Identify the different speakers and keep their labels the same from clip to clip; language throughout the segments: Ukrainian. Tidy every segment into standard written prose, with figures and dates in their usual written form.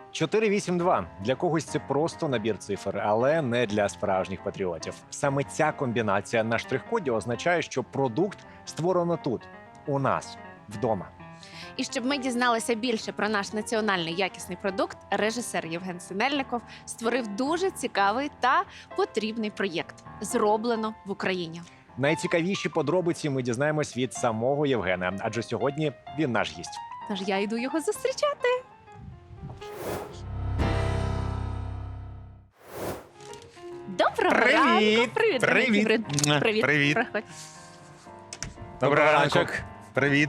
Speaker 1: 482. Для когось це просто набір цифр, але не для справжніх патріотів. Саме ця комбінація на штрих-коді означає, що продукт створено тут, у нас, вдома.
Speaker 2: І щоб ми дізналися більше про наш національний якісний продукт, режисер Євген Синельников створив дуже цікавий та потрібний проєкт «Зроблено в Україні».
Speaker 1: Найцікавіші подробиці ми дізнаємось від самого Євгена, адже сьогодні він наш гість.
Speaker 2: Тож я йду його зустрічати. Доброго ранку!
Speaker 3: Привіт!
Speaker 2: Привіт!
Speaker 3: Привіт!
Speaker 2: Привіт! Привіт!
Speaker 3: Привіт!
Speaker 2: Проходь.
Speaker 3: Доброго
Speaker 1: ранку.
Speaker 3: ранку. Привіт.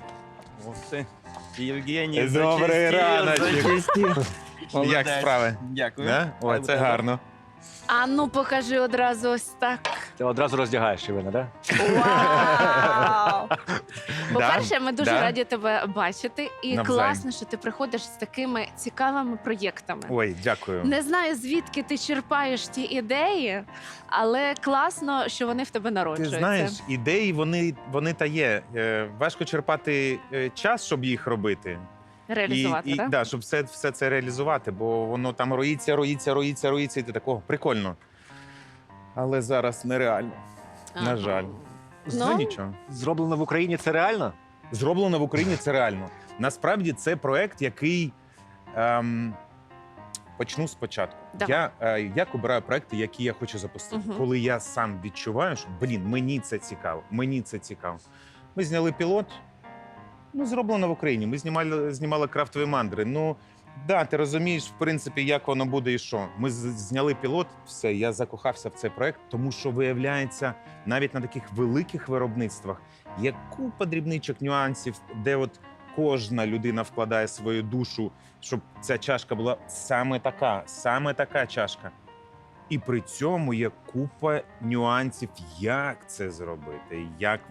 Speaker 4: Євгеній,
Speaker 3: Добрий раночок. Як справи?
Speaker 4: Дякую.
Speaker 3: Да? О, це гарно.
Speaker 2: А ну покажи одразу ось так.
Speaker 1: Ти одразу роздягаєш Євгена, да?
Speaker 2: Вау! По-перше, ми дуже
Speaker 3: Да.
Speaker 2: раді тебе бачити. І
Speaker 3: Навзаєм.
Speaker 2: класно, що ти приходиш з такими цікавими проєктами.
Speaker 3: Ой, дякую.
Speaker 2: Не знаю, звідки ти черпаєш ті ідеї, але класно, що вони в тебе
Speaker 3: Ти
Speaker 2: народжуються.
Speaker 3: знаєш, ідеї, вони та є. Важко черпати час, щоб їх робити.
Speaker 2: Реалізувати, так?
Speaker 3: Да, щоб все це реалізувати, бо воно там роїться, і ти такого прикольно. Але зараз нереально, на жаль.
Speaker 2: Ну,
Speaker 3: Нічого.
Speaker 1: Зроблено в Україні це реально?
Speaker 3: Зроблено в Україні це реально. Насправді це проект, який почну спочатку.
Speaker 2: Давай.
Speaker 3: Я обираю проекти, які я хочу запустити.
Speaker 2: Мгм.
Speaker 3: Коли я сам відчуваю, що мені це цікаво. Ми зняли пілот. Зроблено в Україні. Ми знімали крафтові мандри. Ну, да, ти розумієш, в принципі, як воно буде і що. Ми зняли пілот, все, я закохався в цей проект, тому що, виявляється, навіть на таких великих виробництвах є купа дрібничок, нюансів, де от кожна людина вкладає свою душу, щоб ця чашка була саме така чашка. І при цьому є купа нюансів, як це зробити,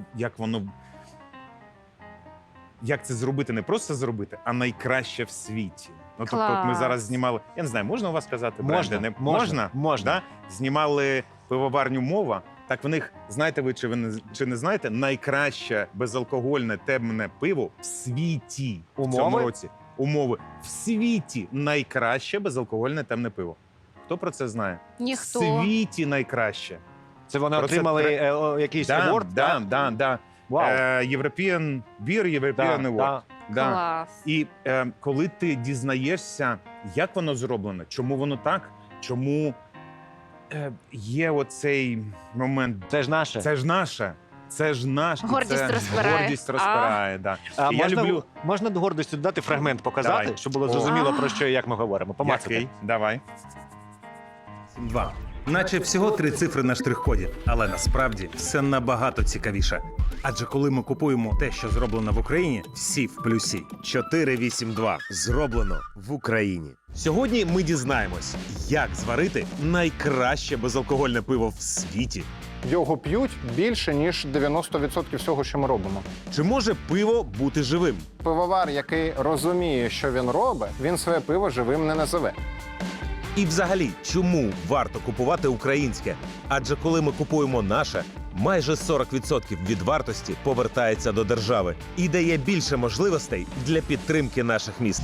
Speaker 3: як це зробити, не просто зробити, а найкраще в світі. Ну, тобто, от ми
Speaker 2: Клас.
Speaker 3: зараз знімали, я не знаю, можна у вас казати бренди? Не
Speaker 1: Можна.
Speaker 3: Да? Знімали пивоварню «Мова». Так в них, знаєте ви чи не знаєте, найкраще безалкогольне темне пиво в світі в цьому
Speaker 1: Умови?
Speaker 3: році. Умови. В світі найкраще безалкогольне темне пиво. Хто про це знає?
Speaker 2: Ніхто.
Speaker 3: В світі найкраще.
Speaker 1: Це вони
Speaker 3: Про це
Speaker 1: отримали якийсь award?
Speaker 3: Да.
Speaker 1: Вау.
Speaker 3: European Beer, European Award.
Speaker 1: Да.
Speaker 3: Да.
Speaker 2: Клас.
Speaker 3: І коли ти дізнаєшся, як воно зроблено, чому воно так, чому є оцей момент.
Speaker 1: Це ж наше.
Speaker 3: Це ж наше. Це ж наш. І
Speaker 2: Гордість
Speaker 3: це
Speaker 2: розпирає.
Speaker 3: Гордість розпирає, да.
Speaker 1: А
Speaker 3: І я
Speaker 1: можна,
Speaker 3: люблю.
Speaker 1: можна до гордості додати фрагмент показати,
Speaker 3: Давай.
Speaker 1: щоб було
Speaker 3: О.
Speaker 1: зрозуміло, про що і як ми говоримо. Помацати.
Speaker 3: Який? Давай.
Speaker 5: 2. Наче всього 3 цифри на штрих-коді, але насправді все набагато цікавіше. Адже коли ми купуємо те, що зроблено в Україні, всі в плюсі.
Speaker 6: 482. Зроблено в Україні. Сьогодні ми дізнаємось, як зварити найкраще безалкогольне пиво в світі.
Speaker 7: Його п'ють більше, ніж 90% всього, що ми робимо.
Speaker 6: Чи може пиво бути живим?
Speaker 7: Пивовар, який розуміє, що він робить, він своє пиво живим не називе.
Speaker 6: І взагалі, чому варто купувати українське? Адже коли ми купуємо наше, майже 40% від вартості повертається до держави і дає більше можливостей для підтримки наших міст.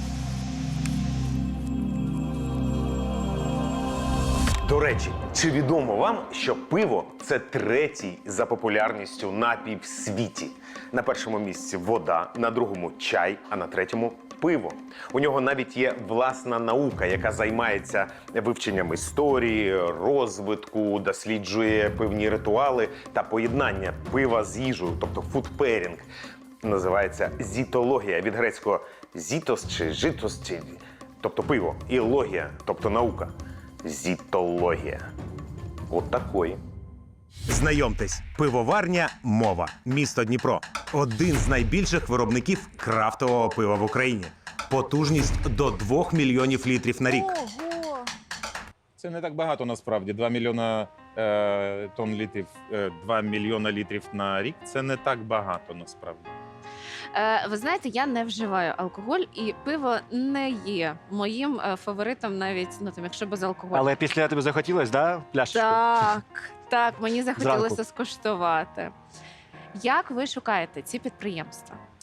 Speaker 8: До речі, чи відомо вам, що пиво – це третій за популярністю напій в світі? На першому місці вода, на другому – чай, а на третьому – пиво. У нього навіть є власна наука, яка займається вивченням історії, розвитку, досліджує пивні ритуали та поєднання пива з їжею, тобто фудпейрінг. Називається зітологія, від грецького «зітос» чи «житос», тобто пиво, і логія, тобто наука. Зітологія. От такої.
Speaker 5: Знайомтесь, пивоварня «Мова», місто Дніпро. Один з найбільших виробників крафтового пива в Україні. Потужність до 2 мільйонів літрів на рік.
Speaker 2: Ого!
Speaker 3: Це не так багато насправді. 2 мільйона тонн літрів, 2 мільйона літрів на рік. Це не так багато насправді.
Speaker 2: Ви знаєте, я не вживаю алкоголь, і пиво не є моїм фаворитом, навіть якщо без алкоголю.
Speaker 1: Але після тебе захотілось, да, пляшечку?
Speaker 2: Так, мені захотілося
Speaker 1: Зранку.
Speaker 2: скуштувати. Як ви шукаєте ці підприємства?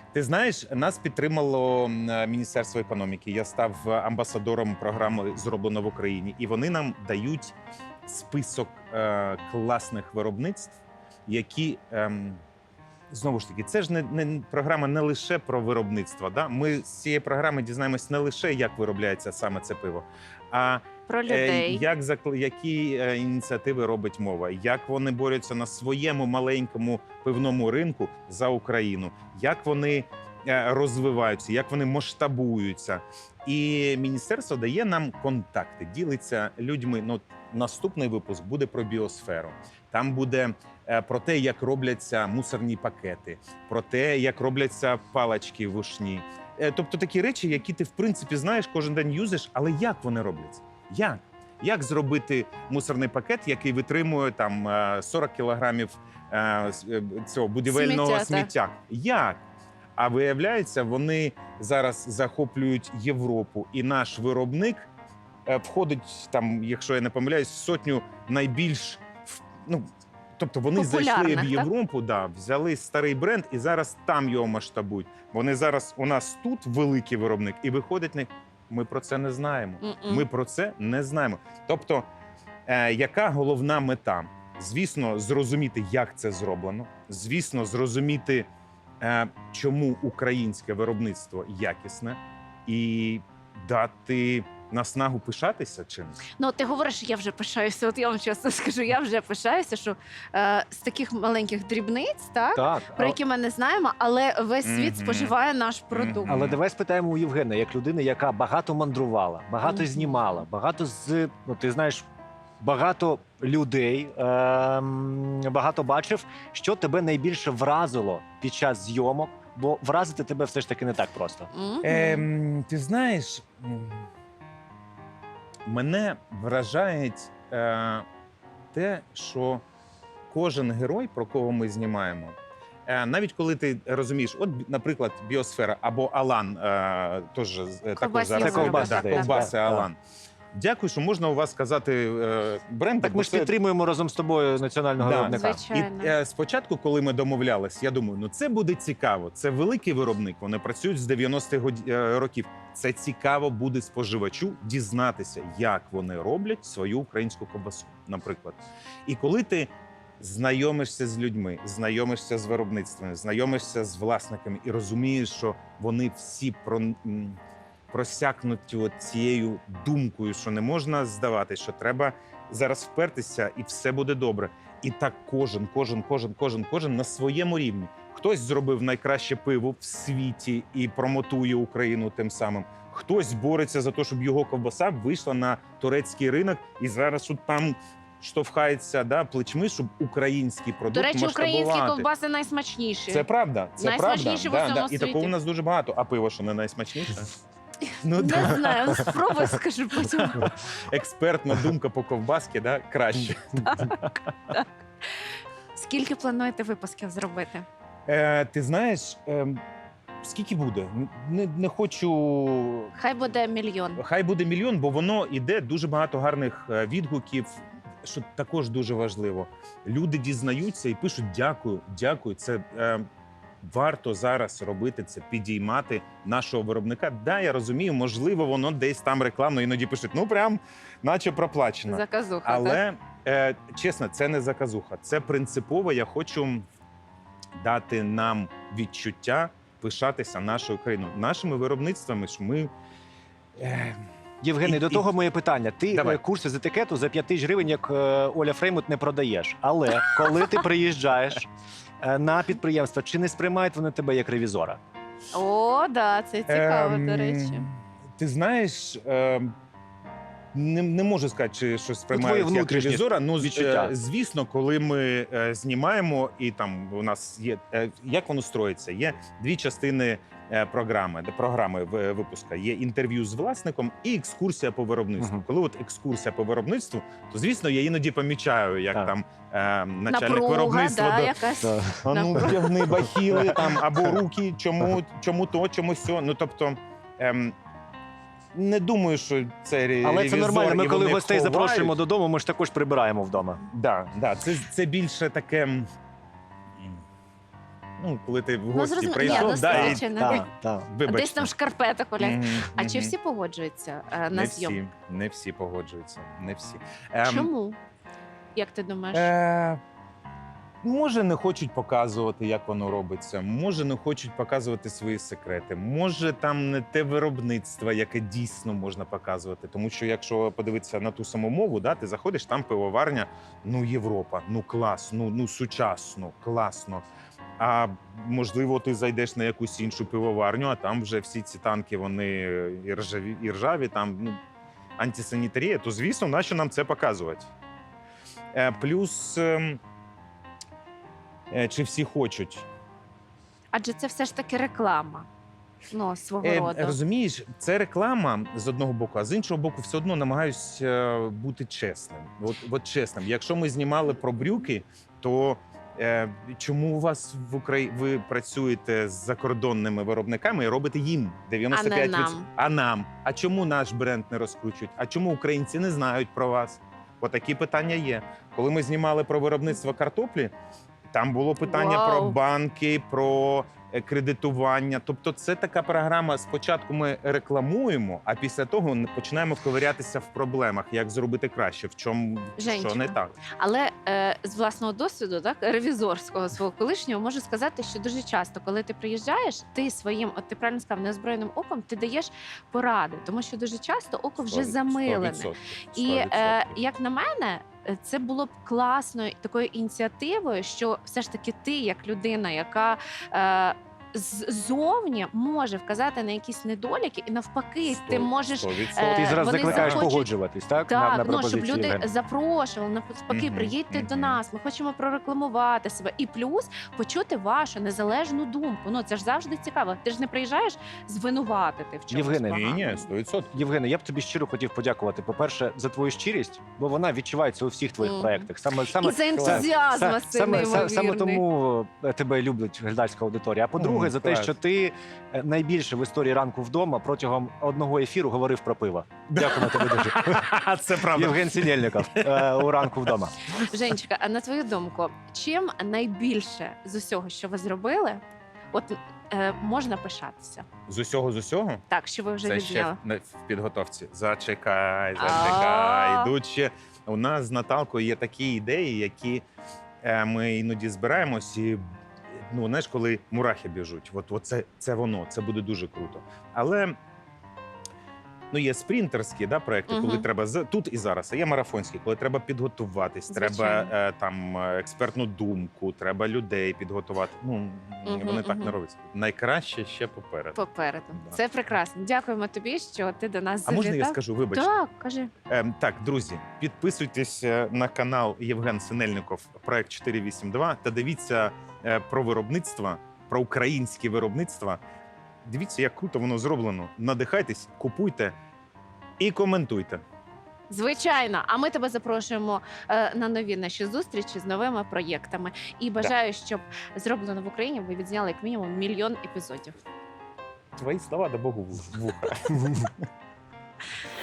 Speaker 3: Ти знаєш, нас підтримало Міністерство економіки. Я став амбасадором програми «Зроблено в Україні», і вони нам дають список класних виробництв, які знову ж таки, це ж не програма не лише про виробництво. Да? Ми з цієї програми дізнаємось не лише, як виробляється саме це пиво, а
Speaker 2: Про людей.
Speaker 3: які ініціативи робить мова, як вони борються на своєму маленькому пивному ринку за Україну, як вони розвиваються, як вони масштабуються. І міністерство дає нам контакти, ділиться людьми. Ну, наступний випуск буде про біосферу. Там буде про те, як робляться мусорні пакети, про те, як робляться палички вушні. Тобто такі речі, які ти в принципі знаєш, кожен день юзиш, але як вони робляться? Як? Як зробити мусорний пакет, який витримує там 40 кілограмів цього будівельного сміття? Як? А виявляється, вони зараз захоплюють Європу, і наш виробник входить там, якщо я не помиляюсь, в сотню найбільш тобто вони зайшли в Європу, да, взяли старий бренд і зараз там його масштабують. Вони зараз у нас тут великий виробник, і виходить не. Ми про це не знаємо. Ми про це не знаємо. Тобто, яка головна мета? Звісно, зрозуміти, як це зроблено. Звісно, зрозуміти, чому українське виробництво якісне, і дати наснагу пишатися чимось.
Speaker 2: Ну, ти говориш, я вже пишаюся. От я вам чесно скажу, я вже пишаюся, що з таких маленьких дрібниць,
Speaker 1: Так,
Speaker 2: про які ми не знаємо, але весь світ
Speaker 3: Мгм.
Speaker 2: споживає наш продукт.
Speaker 3: Мгм.
Speaker 1: але давай спитаємо у Євгена, як людини, яка багато мандрувала, багато
Speaker 2: Мгм.
Speaker 1: знімала, багато ти знаєш, багато людей, багато бачив, що тебе найбільше вразило під час зйомок, бо вразити тебе все ж таки не так просто.
Speaker 2: Мгм.
Speaker 3: Ти знаєш, мене вражає те, що кожен герой, про кого ми знімаємо, навіть коли ти розумієш, от, наприклад, біосфера або Алан, також
Speaker 2: Ковбасні
Speaker 3: зараз
Speaker 1: Це ковбаси,
Speaker 3: да,
Speaker 1: здається.
Speaker 3: ковбаси
Speaker 1: Так.
Speaker 3: Алан. Дякую, що можна у вас сказати бренд.
Speaker 1: Так
Speaker 3: бо
Speaker 1: ми ж
Speaker 3: це-
Speaker 1: підтримуємо разом з тобою національного
Speaker 3: Да.
Speaker 1: виробника.
Speaker 2: Звичайно.
Speaker 3: І спочатку, коли ми домовлялись, я думаю, ну це буде цікаво. Це великий виробник. Вони працюють з 90-х років. Це цікаво буде споживачу дізнатися, як вони роблять свою українську ковбасу, наприклад. І коли ти знайомишся з людьми, знайомишся з виробництвами, знайомишся з власниками і розумієш, що вони всі просякнуті от цією думкою, що не можна здавати, що треба зараз впертися, і все буде добре. І так кожен на своєму рівні. Хтось зробив найкраще пиво в світі і промотує Україну тим самим. Хтось бореться за те, щоб його ковбаса вийшла на турецький ринок і зараз тут там штовхається плечми, щоб український продукт
Speaker 2: До речі, українські
Speaker 3: масштабувати.
Speaker 2: ковбаси найсмачніші.
Speaker 3: Це правда, це
Speaker 2: Найсмачніші
Speaker 3: правда.
Speaker 2: в усьому
Speaker 3: І
Speaker 2: світі.
Speaker 3: такого у нас дуже багато. А пиво, що не найсмачніше? Ну,
Speaker 2: Не знаю, спробуй, скажу потім.
Speaker 3: експертна думка по ковбаски, краще.
Speaker 2: Скільки плануєте випусків зробити?
Speaker 3: Ти знаєш, скільки буде? Не хочу.
Speaker 2: Хай буде 1 мільйон.
Speaker 3: Хай буде 1 мільйон, бо воно іде дуже багато гарних відгуків. Що також дуже важливо. Люди дізнаються і пишуть дякую. Це варто зараз робити це, підіймати нашого виробника. Да, я розумію, можливо, воно десь там рекламно іноді пишуть. Ну прям, наче проплачено.
Speaker 2: Заказуха, так?
Speaker 3: Але чесно, це не заказуха. Це принципово. Я хочу дати нам відчуття пишатися нашою країною, нашими виробництвами. Що ми
Speaker 1: Євгений, до того моє питання. Ти
Speaker 3: Давай.
Speaker 1: курси з етикету за 5 тисяч гривень, як Оля Фреймут, не продаєш. Але коли ти приїжджаєш на підприємство, чи не сприймають вони тебе як ревізора?
Speaker 2: О, да, це цікаво, до речі.
Speaker 3: Ти знаєш, не можу сказати, чи щось
Speaker 1: твої
Speaker 3: сприймають як
Speaker 1: внутрішні
Speaker 3: ревізора. Ну,
Speaker 1: відчуття.
Speaker 3: звісно, коли ми знімаємо, і там у нас є, як воно строїться, є 2 частини програми випуска. Є інтерв'ю з власником і екскурсія по виробництву.
Speaker 1: Мгм.
Speaker 3: Коли от екскурсія по виробництву, то, звісно, я іноді помічаю, як
Speaker 1: Так.
Speaker 3: там начальник
Speaker 2: Напруга,
Speaker 3: виробництва
Speaker 2: да, якась.
Speaker 3: а ну вдягни бахіли там або руки, чому то, чому сьо. Ну тобто не думаю, що це
Speaker 1: Але це
Speaker 3: ревізор,
Speaker 1: нормально. Ми
Speaker 3: і
Speaker 1: коли
Speaker 3: вони
Speaker 1: гостей
Speaker 3: ховають.
Speaker 1: запрошуємо додому, ми ж також прибираємо вдома.
Speaker 3: Да, це більше таке. Ну, коли ти в
Speaker 2: Ну,
Speaker 3: гості
Speaker 2: зрозуміло.
Speaker 3: прийшов,
Speaker 2: Ні,
Speaker 3: да, і
Speaker 2: досвідчена.
Speaker 1: Так.
Speaker 3: вибачте.
Speaker 2: Десь там шкарпеток Оля.
Speaker 3: Мгм,
Speaker 2: А чи
Speaker 3: мгм.
Speaker 2: всі погоджуються на
Speaker 3: Не
Speaker 2: зйомку?
Speaker 3: всі, не всі погоджуються, не всі.
Speaker 2: Чому? Як ти думаєш?
Speaker 3: Може, не хочуть показувати, як воно робиться. Може, не хочуть показувати свої секрети. Може, там не те виробництво, яке дійсно можна показувати. Тому що, якщо подивитися на ту саму мову, да, ти заходиш, там пивоварня, ну Європа, ну клас, ну сучасно, класно. А можливо, ти зайдеш на якусь іншу пивоварню, а там вже всі ці танки, вони і ржаві, там ну, антисанітарія, то звісно, нащо нам це показувати? Плюс. Чи всі хочуть?
Speaker 2: Адже це все ж таки реклама. Ну, свого роду.
Speaker 3: Розумієш, це реклама з одного боку, а з іншого боку, все одно намагаюсь бути чесним. От чесним. Якщо ми знімали про брюки, то чому у вас в Україні ви працюєте з закордонними виробниками і робите їм 95%?
Speaker 2: А не нам.
Speaker 3: А нам? А чому наш бренд не розкручують? А чому українці не знають про вас? Отакі питання є. Коли ми знімали про виробництво картоплі, там було питання
Speaker 2: Вау.
Speaker 3: про банки, про кредитування. Тобто, це така програма. Спочатку ми рекламуємо, а після того починаємо вковирятися в проблемах, як зробити краще, в чому
Speaker 2: Женечка.
Speaker 3: що не так.
Speaker 2: Але з власного досвіду, так, ревізорського свого колишнього, можу сказати, що дуже часто, коли ти приїжджаєш, ти своїм, от ти правильно сказав, неозброєним оком, ти даєш поради, тому що дуже часто око вже замилене.
Speaker 3: 100%.
Speaker 2: І як на мене, це було б класною такою ініціативою, що все ж таки ти, як людина, яка ззовні може вказати на якісь недоліки, і навпаки, ти можеш
Speaker 3: 100%.
Speaker 1: Ти зараз
Speaker 2: вони
Speaker 1: закликаєш
Speaker 2: захочуть-
Speaker 1: погоджуватись, так?
Speaker 2: так,
Speaker 1: на
Speaker 2: ну щоб
Speaker 1: пропозиції
Speaker 2: люди
Speaker 1: Євгена?
Speaker 2: запрошували, навпаки,
Speaker 3: Мгм,
Speaker 2: приїдьте до
Speaker 3: мгм.
Speaker 2: нас. Ми хочемо прорекламувати себе. І плюс почути вашу незалежну думку. Ну це ж завжди цікаво. Ти ж не приїжджаєш звинуватити в чомусь.
Speaker 1: Євгене,
Speaker 3: Ні,
Speaker 2: поганому.
Speaker 3: 100%.
Speaker 1: Євгене, я б тобі щиро хотів подякувати. По-перше, за твою щирість, бо вона відчувається у всіх твоїх
Speaker 2: Мгм.
Speaker 1: проєктах. Саме
Speaker 2: І за ентузіазм
Speaker 1: Са-
Speaker 2: Василь
Speaker 1: саме
Speaker 2: неймовірний.
Speaker 1: тому тебе люблять глядацька аудиторія. А по-друге, за те,
Speaker 3: клас.
Speaker 1: що ти найбільше в історії ранку вдома протягом одного ефіру говорив про пиво. Дякую тобі дуже.
Speaker 3: Це правда.
Speaker 1: Євген Синельников у ранку вдома.
Speaker 2: Женечка, а на твою думку, чим найбільше з усього, що ви зробили, от можна пишатися?
Speaker 3: З усього?
Speaker 2: Так, що ви вже
Speaker 3: Це ще
Speaker 2: відзняли?
Speaker 3: в підготовці. Зачекай.
Speaker 2: А.
Speaker 3: Йдуть ще. У нас з Наталкою є такі ідеї, які ми іноді збираємось і. Ну, знаєш, коли мурахи біжуть, от це воно, це буде дуже круто. Але ну, є спринтерські проекти, коли
Speaker 2: Мгм.
Speaker 3: треба тут і зараз, а є марафонські, коли треба підготуватись,
Speaker 2: Звичайно.
Speaker 3: треба там експертну думку, треба людей підготувати. Ну, вони так не
Speaker 2: мгм.
Speaker 3: робляться. Найкраще ще попереду.
Speaker 2: Попереду.
Speaker 3: Да.
Speaker 2: Це прекрасно. Дякуємо тобі, що ти до нас
Speaker 3: А можна я
Speaker 2: завітав.
Speaker 3: скажу, вибач?
Speaker 2: Так, кажи.
Speaker 3: Так, друзі, підписуйтесь на канал Євген Синельников, проект 482, та дивіться про виробництво, про українське виробництво. Дивіться, як круто воно зроблено. Надихайтесь, купуйте і коментуйте.
Speaker 2: Звичайно, а ми тебе запрошуємо на нові наші зустрічі з новими проєктами. І бажаю, щоб зроблено в Україні ви відзняли як мінімум 1 мільйон епізодів.
Speaker 3: Твої слова, да Богу, в вуха.